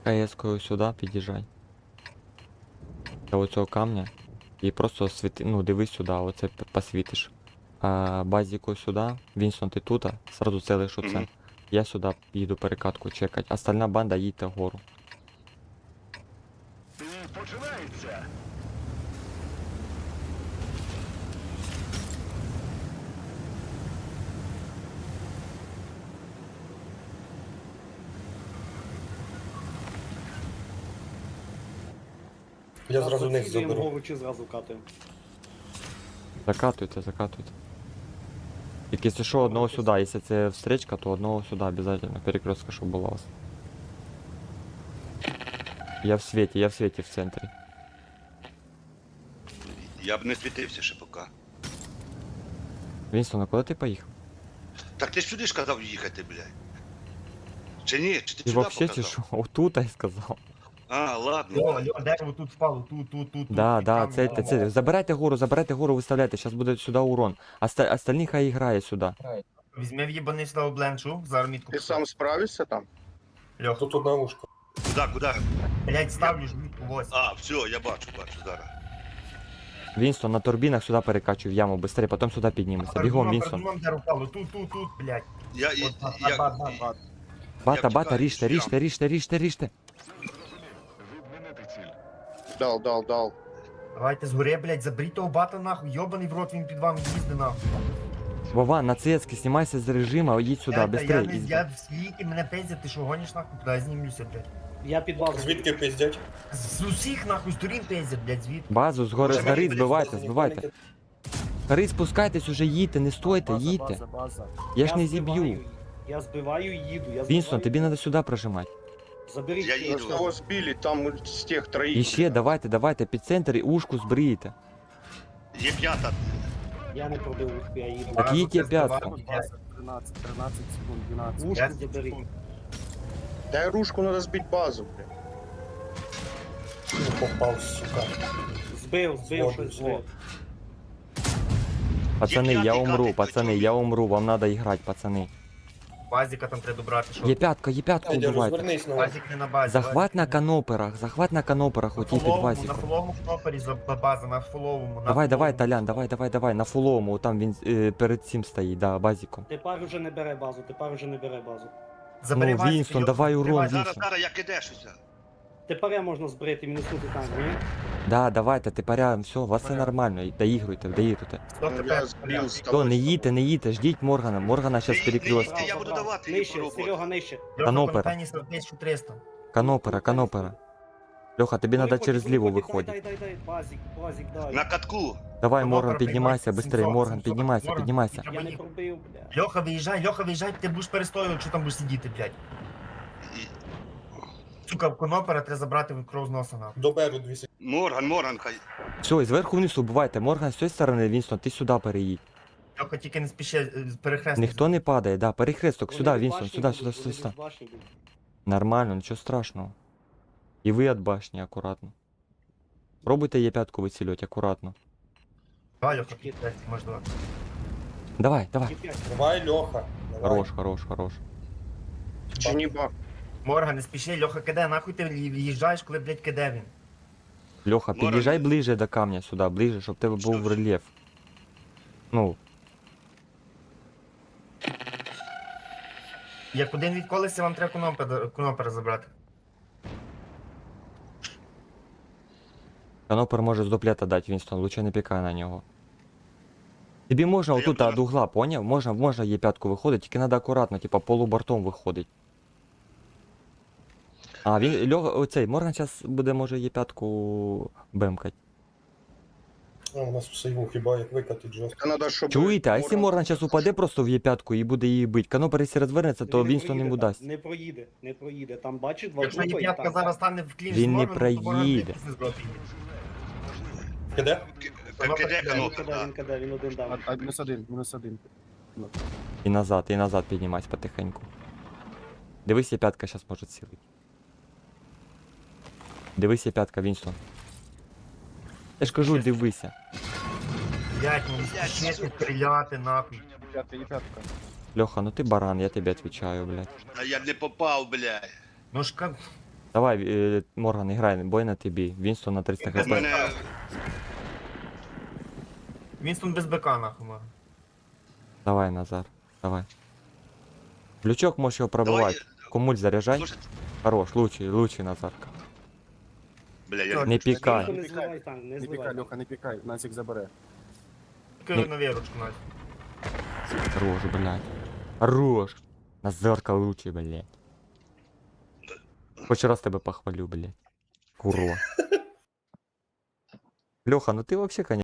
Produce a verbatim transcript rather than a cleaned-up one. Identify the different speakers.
Speaker 1: КС-кою сюди під'їжджай. До оцього камня. І просто світи, ну дивись сюди, оце п- посвітиш. А, базіку сюди, Вінсон, ти тут, сразу целиш оце.
Speaker 2: Мгм.
Speaker 1: Я сюди їду перекатку чекать. Остальна банда їдьте вгору.
Speaker 3: Починається.
Speaker 4: Я зразу них
Speaker 5: Зацілюємо
Speaker 4: заберу.
Speaker 5: гору чи зразу катаємо.
Speaker 1: Закатуйте, закатуйте. Тільки якщо що, одного сюди, якщо це встречка, то одного сюди обов'язково. Перекрестка, щоб була у вас. Я в світі, я в світі в центрі.
Speaker 2: Я б не світився ще поки.
Speaker 1: Вінстон, а куди ти поїхав?
Speaker 2: Так ти ж сюди ж казав їхати, блядь. Чи ні? Чи ти
Speaker 1: Ти
Speaker 2: сюди
Speaker 1: вообще чи
Speaker 2: показав?
Speaker 1: що? Отут я сказав.
Speaker 2: А, ладно.
Speaker 4: О, Льо, дерево тут впало, тут, тут, тут.
Speaker 1: Да,
Speaker 4: тут,
Speaker 1: да,
Speaker 4: там,
Speaker 1: це,
Speaker 4: там,
Speaker 1: це,
Speaker 4: там.
Speaker 1: забирайте гору, забирайте гору, виставляйте, зараз буде сюди урон. Оста- остальні хай грає сюди.
Speaker 4: Візьми в'їбаний сюди бленшу, зараз мітку.
Speaker 6: Ти сам справишся там?
Speaker 4: Льох,
Speaker 7: Тут одна ушка.
Speaker 2: Куди, куди?
Speaker 4: блядь, ставлю ж мітку, ось.
Speaker 2: А, все, я бачу, бачу, зараз.
Speaker 1: Вінстон, на турбінах сюди перекачуй в яму, быстрее, потім сюди піднімемося. Бігом, Вінстон.
Speaker 4: Передумом дерево впало, тут, тут, тут, блядь.
Speaker 2: Я, я,
Speaker 4: От, бат,
Speaker 2: я,
Speaker 4: бат, бат, бат.
Speaker 1: Бата,
Speaker 2: я
Speaker 1: бата,
Speaker 2: втікаю,
Speaker 1: ріжте,
Speaker 2: я.
Speaker 1: ріжте, ріжте, ріжте, ріжте.
Speaker 3: Відмінити ціль.
Speaker 6: Дал, дал, дал.
Speaker 4: Давайте згори, блядь, заберіть того бата нахуй, йобаний в рот, він під вами їздить нахуй.
Speaker 1: Вова, на цецьки, знімайся з режиму, їдь сюди,
Speaker 4: Я, та я,
Speaker 1: быстрее.
Speaker 4: не,
Speaker 1: їдь.
Speaker 4: я в світі, мене пиздять, ти що гониш нахуй, куди я знімлюся, блядь.
Speaker 5: Я під базу.
Speaker 7: Звідки пиздять?
Speaker 4: З усіх нахуй сторін пиздять, блядь, звідти.
Speaker 1: Базу згори,
Speaker 4: Може,
Speaker 1: згори,
Speaker 4: мені
Speaker 1: збивайте,
Speaker 7: Ніхто
Speaker 1: збивайте.
Speaker 7: не-
Speaker 1: Гори, спускайтесь уже, їдьте, не стойте, їдьте. Я ж не
Speaker 5: збиваю,
Speaker 1: зіб'ю.
Speaker 5: Я збиваю і їду. Я
Speaker 1: Вінстон,
Speaker 5: збиваю.
Speaker 1: тобі треба сюди прожимати.
Speaker 5: Заберіть.
Speaker 2: Я
Speaker 5: е,
Speaker 2: їду.
Speaker 6: Кого збили, там з тих троїх.
Speaker 1: І ще, давайте, давайте, під центр і ушку збриєте.
Speaker 2: Є п'ята.
Speaker 5: Я не пробив ух, я їду.
Speaker 1: Так
Speaker 4: Базу
Speaker 1: їдь
Speaker 4: це
Speaker 1: я п'ятку.
Speaker 4: збиваю,
Speaker 8: тринадцать, тринадцать секунд, двенадцать.
Speaker 5: Ушку
Speaker 4: десять
Speaker 5: забери.
Speaker 4: секунд.
Speaker 6: Дай ружку, надо збити базу, блядь.
Speaker 7: Не попав, сука.
Speaker 5: Збив, збив,
Speaker 7: Згоден,
Speaker 5: щось збив.
Speaker 7: згоден.
Speaker 1: Пацани, я
Speaker 2: п'ятий
Speaker 1: умру,
Speaker 2: катик,
Speaker 1: пацани,
Speaker 2: почув.
Speaker 1: я умру, вам треба іграти, пацани.
Speaker 4: Базіка там треба добрати, що?
Speaker 1: Є п'ятка, є п'ятку
Speaker 7: Федя,
Speaker 1: вбивайте.
Speaker 7: розвернись на
Speaker 4: Базік не на базі.
Speaker 1: Захват на
Speaker 4: базік не-
Speaker 1: каноперах, захват на каноперах,
Speaker 4: На
Speaker 1: оті під
Speaker 4: фуловому, на
Speaker 1: базіку.
Speaker 4: фуловому кнопері за база, на фуловому. на
Speaker 1: Давай, давай,
Speaker 4: фуловому.
Speaker 1: Толян, давай, давай, давай, на фуловому, там він е, перед цим стоїть, да, базіком.
Speaker 5: Тепер уже не бере базу, тепер уже не бере базу.
Speaker 4: Забери
Speaker 1: Ну,
Speaker 4: базік,
Speaker 1: Вінстон,
Speaker 4: йо,
Speaker 1: давай
Speaker 4: забери
Speaker 1: урон,
Speaker 4: базік.
Speaker 1: Вінстон.
Speaker 2: Зараз, зараз, я кидешуся.
Speaker 5: Тепер я можна збрити, мінуснути танк, ні?
Speaker 1: Да, давайте, тепер все, у вас все
Speaker 4: Порядок.
Speaker 1: нормально, доігруйте, доігруйте.
Speaker 4: Хто
Speaker 6: Я
Speaker 4: тепер?
Speaker 6: збив з
Speaker 1: То,
Speaker 6: тобою.
Speaker 1: не їдьте, не їдьте, ждіть Моргана, Моргана зараз
Speaker 2: Не- не
Speaker 1: перекрестки.
Speaker 2: їдьте, я буду давати їй
Speaker 5: Нижче,
Speaker 2: попробувати.
Speaker 5: Серега, нижче.
Speaker 4: Льоха,
Speaker 1: Канопера.
Speaker 4: Контейнер тисяча триста.
Speaker 1: Канопера, канопера. Льоха, тобі треба
Speaker 5: Виходь,
Speaker 1: через
Speaker 5: виходь,
Speaker 1: ліву
Speaker 5: дай,
Speaker 1: виходити.
Speaker 5: Дай, дай, дай, базік, базік, дай.
Speaker 2: На катку.
Speaker 1: Давай,
Speaker 4: Канопера
Speaker 1: Морган, піднімайся,
Speaker 4: піднімається,
Speaker 1: быстрее,
Speaker 4: сімсот,
Speaker 1: Морган,
Speaker 4: сімсот,
Speaker 1: піднімайся,
Speaker 4: Морган.
Speaker 1: піднімайся.
Speaker 5: Я не пробив, бля.
Speaker 4: Льоха, виїжджай, Льоха, виїжджай, ти будеш перестоювати, що там будеш сидіти, блядь.
Speaker 2: І-
Speaker 4: Сука, конопера треба забрати кров з носа нахуй.
Speaker 7: Доберу дві секунди.
Speaker 2: Морган, Морган, хай.
Speaker 1: Все, і зверху вниз убивайте. Морган з цієї сторони, Вінстон, ти сюди переїдь.
Speaker 4: Льоха, тільки не спіши, перехрестити.
Speaker 1: Ніхто не падає, да, перехресток,
Speaker 5: Вони
Speaker 1: сюди,
Speaker 5: від
Speaker 1: Вінстон,
Speaker 5: башні
Speaker 1: сюди,
Speaker 5: будуть,
Speaker 1: сюди,
Speaker 5: вони
Speaker 1: сюди, сюди.
Speaker 5: від башні будуть.
Speaker 1: Нормально, нічого страшного. І ви від башні, акуратно. Пробуйте є п'ятку вицілювати, акуратно.
Speaker 4: Давай, Льоха, блядь, може давай.
Speaker 1: Давай, давай.
Speaker 5: Є п'ять.
Speaker 7: Давай, Льоха. Давай.
Speaker 1: Хорош, хорош, хорош.
Speaker 6: Чи не бах?
Speaker 4: Морган, не спіши, Льоха, киде, нахуй ти в'їжджаєш, коли, блядь, киде він.
Speaker 1: Льоха,
Speaker 2: Морган.
Speaker 1: під'їжджай ближче до камня сюди, ближче, щоб в тебе був
Speaker 2: Що?
Speaker 1: рельєф. Ну,
Speaker 4: Як один відколися, вам треба конопера, конопера забрати.
Speaker 1: канопер може з дуплета дати, Вінстон, лучше не пікай на нього. Тобі можна
Speaker 2: Та я
Speaker 1: отут
Speaker 2: буду
Speaker 1: від угла, поняв? Можна, можна є п'ятку виходить, тільки треба акуратно, типа полубортом виходить. А, він, Льоха, оцей, Морган зараз буде, може, є п'ятку бемкать.
Speaker 7: А, у нас все йому хіба як викатить жорстко.
Speaker 6: Та надо, щоб...
Speaker 1: Чуєте, а якщо Морган зараз упаде просто в є п'ятку і буде її бити, канопер, якщо розвернеться, то
Speaker 5: Він не
Speaker 1: Вінстон йому
Speaker 5: проїде,
Speaker 1: дасть.
Speaker 5: Не проїде, не проїде. Там бачиш два
Speaker 4: Якщо
Speaker 5: трупа і
Speaker 4: єп'ятка
Speaker 5: там-
Speaker 4: зараз стане в клінч з
Speaker 1: Він не
Speaker 4: Морганом, то Морган
Speaker 1: проїде.
Speaker 4: після збрати.
Speaker 7: Киде?
Speaker 2: Киде
Speaker 5: Він
Speaker 2: канопер,
Speaker 5: киде,
Speaker 2: да.
Speaker 5: він киде, він один дав.
Speaker 8: А, а, минус один, минус один.
Speaker 1: І назад, і назад піднімайся потихеньку. Дивись, є п'ятка зараз може цілити. Дивись, є п'ятка, Вінстон. Я ж кажу, дивися.
Speaker 4: Блядь, ну не спіши стріляти, нахуй.
Speaker 8: Пятка, и пятка.
Speaker 1: Льоха, ну ти баран, я тобі відповідаю, блядь.
Speaker 2: А я не попав, блядь.
Speaker 4: Ну ж ка...
Speaker 1: Давай, е, Морган, грай, бой на тобі. Вінстон на триста
Speaker 2: У
Speaker 1: хп.
Speaker 2: мене
Speaker 4: Вінстон без БК нахуй. мага.
Speaker 1: Давай, Назар, давай. Лючок можеш його пробивати.
Speaker 2: давай.
Speaker 1: Комуль заряджай.
Speaker 2: Слушай,
Speaker 1: Хорош, лучший, лучший Назарка.
Speaker 2: бля, я
Speaker 1: Не пікай.
Speaker 5: Не зливай танк, не
Speaker 8: Не
Speaker 5: зливай.
Speaker 8: пікай, Льоха, не пікай, Насік забере.
Speaker 4: Тільки
Speaker 1: Ні.
Speaker 4: на вірочку, Надь.
Speaker 1: Хорош, блядь. Хорош. Назарка лучший, блядь. Хоч раз тебе похвалю, блядь. Курва. Леха, ну ты вообще, конечно,